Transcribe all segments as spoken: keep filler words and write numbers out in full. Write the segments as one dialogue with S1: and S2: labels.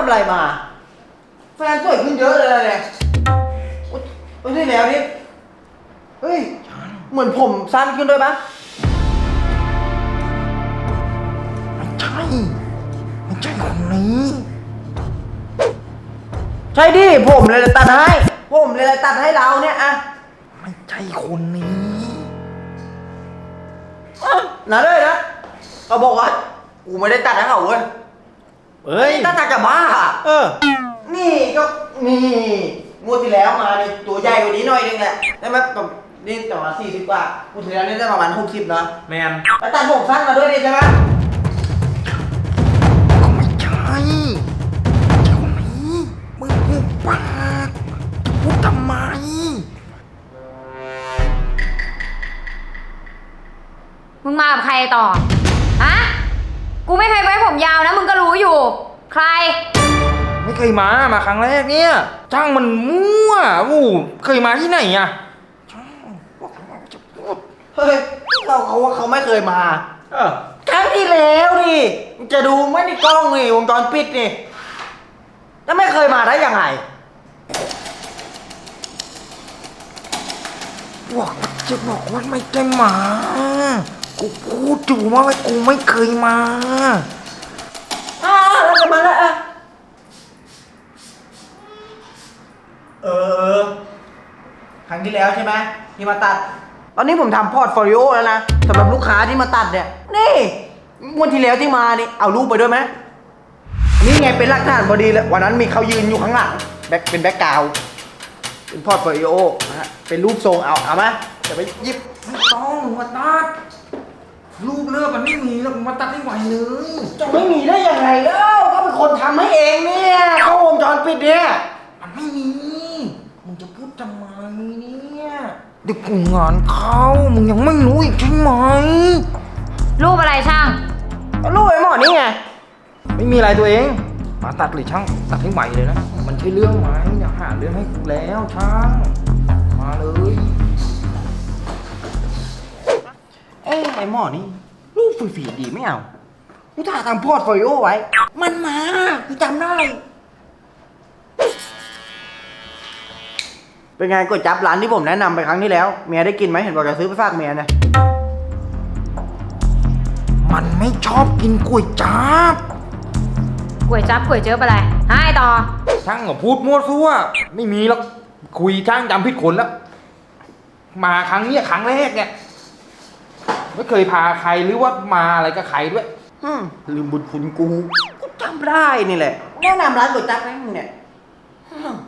S1: ำอะไรมาแฟนสวยขึ้นเยอะเลยเนี่ยโอ้ยที่แล้วนี่เฮ้ยเหมือนผมสั้นขึ้นด้วยปะ
S2: ไม่ใช่ไม่ใช่คนนี้
S1: ใช่ดิผมเลยตัดให้ผมเลยตัดให้เราเนี่ยอะ
S2: ไม่ใช่คนนี้
S1: อ่ะนะเลยนะเขาบอกว่ากูไม่ได้ตัดให้เขาเว้ย
S2: เอ้ย
S1: ตัดตัดจะบ้า
S2: เออ
S1: นี่ก็นี่งวดที่แล้วมาในตัวใหญ่กว่านี้หน่อยนึงแหละได้ไหมประมาณนี่ประมาณสี่สิบกว่างวดที่แล้วนี่ได้ประมาณหกสิบเนาะ
S2: แมน
S1: แล้วตัดผมสั้นมาด้วยดิใช่ไหม
S2: ก็ไม่ใช่ไม่ใช่คนนี้มึงพูดปากจะพูดทำไม
S3: มึงมากับใครต่อ ฮะ กูไม่เคยไว้ผมยาวนะ มึงก็รู้อยู่ ใคร
S2: ไม่เคยมามาครั้งแรกเนี่ยจ้างมันมั่วอู้เคยมาที่ไหนอ่ะจ้างบอกว่าจะพูด
S1: เฮ้ยเขาเขาว่าเขาไม่เคยมา
S2: เออ
S1: ครั้งที่แล้วนี่จะดูไม่ในกล้องนี่วงจรปิดนี่แล้วไม่เคยมาได้ยังไง
S2: บอกว่าจะบอกว่าไม่ได้มากูพูดอยู่ว่ากูไม่เคยมา
S1: อ้าวแล้วจะมาแล้วอะเออครั้งที่แล้วใช่ไหมที่มาตัด ตอนนี้ผมทำพอร์ตโฟลิโอแล้วนะสำหรับลูกค้าที่มาตัดเนี่ยนี่งวดที่แล้วที่มานี่เอารูปไปด้วยไหมนี่ไงเป็นหลักฐานพอดีเลยวันนั้นมีเขายืนอยู่ข้างหลังแบ็คเป็นแบ็คกราวด์เป็นพอร์ตโฟลิโอนะฮะเป็นรูปทรงเอาเอามาจะไปหยิบ
S2: ไม่ต้องมาตัดรูปเลือกมันไม่มีแล้วมาตัดให้ไหวเลย
S1: จะไม่มีได้ยังไงเล่าก็เป็นคนทำให้เองเนี่ยเข้าวงจรปิดเนี่ย
S2: มันไม่มีมึงจะพูดทำไมเนี่ยเด็กกูงานเข้ามึงยังไม่รู้อีกใช่ไหม
S3: รูปอะไรช่าง
S1: ก็รูปไอ้หมอนี่ไง
S2: ไม่มีอะไรตัวเองมาตัดเลยช่างตัดให้ไหวเลยนะมันใช่เรื่องไหมอย่าหาเรื่องให้กูแล้วช่างมาเลย
S1: เอ้ไอ้หมอนี่รูปฝีๆดีไม่เอากูถ่ายทำพอร์ตโฟลิโอไว้ มันมากูจำได้ เป็นไงก๋วยจั๊บร้านที่ผมแนะนำไปครั้งที่แล้วเมียได้กินไหมเห็นบอกจะซื้อไปฝากเมียนะ
S2: มันไม่ชอบกินก๋วยจั๊บ
S3: ก๋วยจั๊บก๋วยเจ๊บอะไรให้ต่อ
S2: ช่างก็พูดมั่วซั่วไม่มีหรอกคุยช่างจำผิดคนแล้ว มาครั้งเนี้ยครั้งแรกเนี่ยไม่เคยพาใครหรือว่ามาอะไรกับใครด้วย
S1: อืมลืมบุญคุณกูกูจำได้นี่แหละแนะนำร้านก๋วยจั๊บให้มึงเนี่ยอืม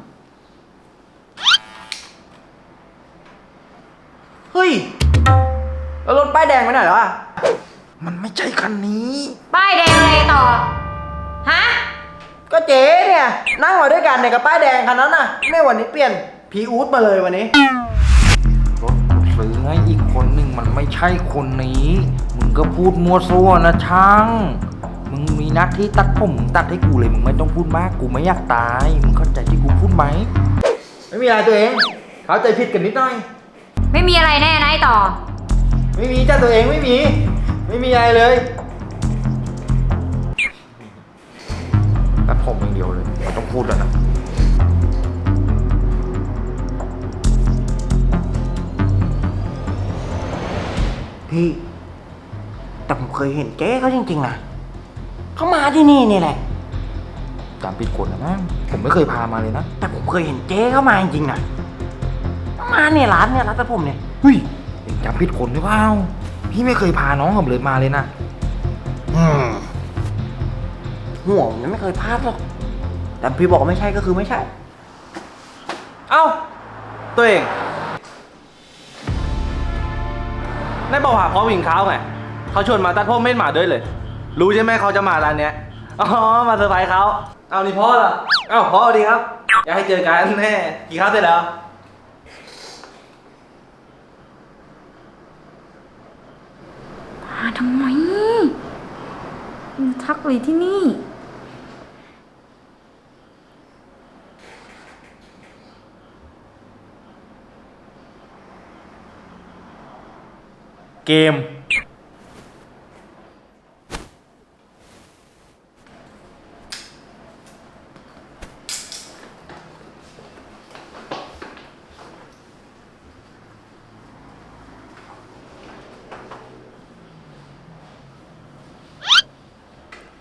S1: เฮ้ยแล้วรถป้ายแดงไปไหนแล้วอะ
S2: มันไม่ใช่คันนี้
S3: ป้ายแดงอะไรต่อ ฮะ
S1: ก็เจ๊เนี่ยนั่งมาด้วยกันเนี่ยกับป้ายแดงคันนั้นน่ะแม่วันนี้เปลี่ยนพีอู๊ดมาเลยวันนี้
S2: รถกูซื้อให้อีกคนหนึ่งมันไม่ใช่คนนี้ มึงก็พูดมั่วซั่วนะช่าง มึงมีหน้าที่ตัดผมมึงตัดให้กูเลย มึงไม่ต้องพูดมาก กูไม่อยากตาย มึงเข้าใจที่กูพูดไหม
S1: ไม่มีอะไรตัวเองเข้าใจผิดกันนิดหน่อย
S3: ไม่มีอะไรแน่นะไอ้ต่อ
S1: ไม่มีจ้าตัวเองไม่มี ไม่มีอะไรเลย
S2: ตัดผมอย่างเดียวเลยไม่ต้องพูดแล้วนะ
S1: พี่ แต่ผมเคยเห็นเจ๊เขาจริงๆนะเขามาที่นี่นี่แหละ
S2: จำผิดคนนะมั้งผมไม่เคยพามาเลยนะ
S1: แต่ผมเคยเห็นเจ๊เขามาจริงๆนะมาเนี่ยร้านเนี่ยร้านตัดผมเนี่ย
S2: เฮ้ยเอ็งจำผิดคนหรือเปล่า พี่ไม่เคยพาน้องผมเลยมาเลยนะ
S1: อืมหัวมันไม่เคยพลาดหรอกแต่พี่บอกว่าไม่ใช่ก็คือไม่ใช่
S4: เอ้า ตัวเองได้บอกหาพ่อวิงเขาไงเขาชวนมาตัดพ่อเม่นหมาด้วยเลย รู้ใช่ไหมเขาจะมาร้านเนี้ยอ๋อมาเซอร์ไพรส์เขาเอานี่พ่อเหรอเอ้าพ่อสวัสดีครับอยากให้เจอกันแน่กี่ข้าวเสร็จแล้ว
S3: มาทำไมมึงทักเลยที่นี่
S4: เกม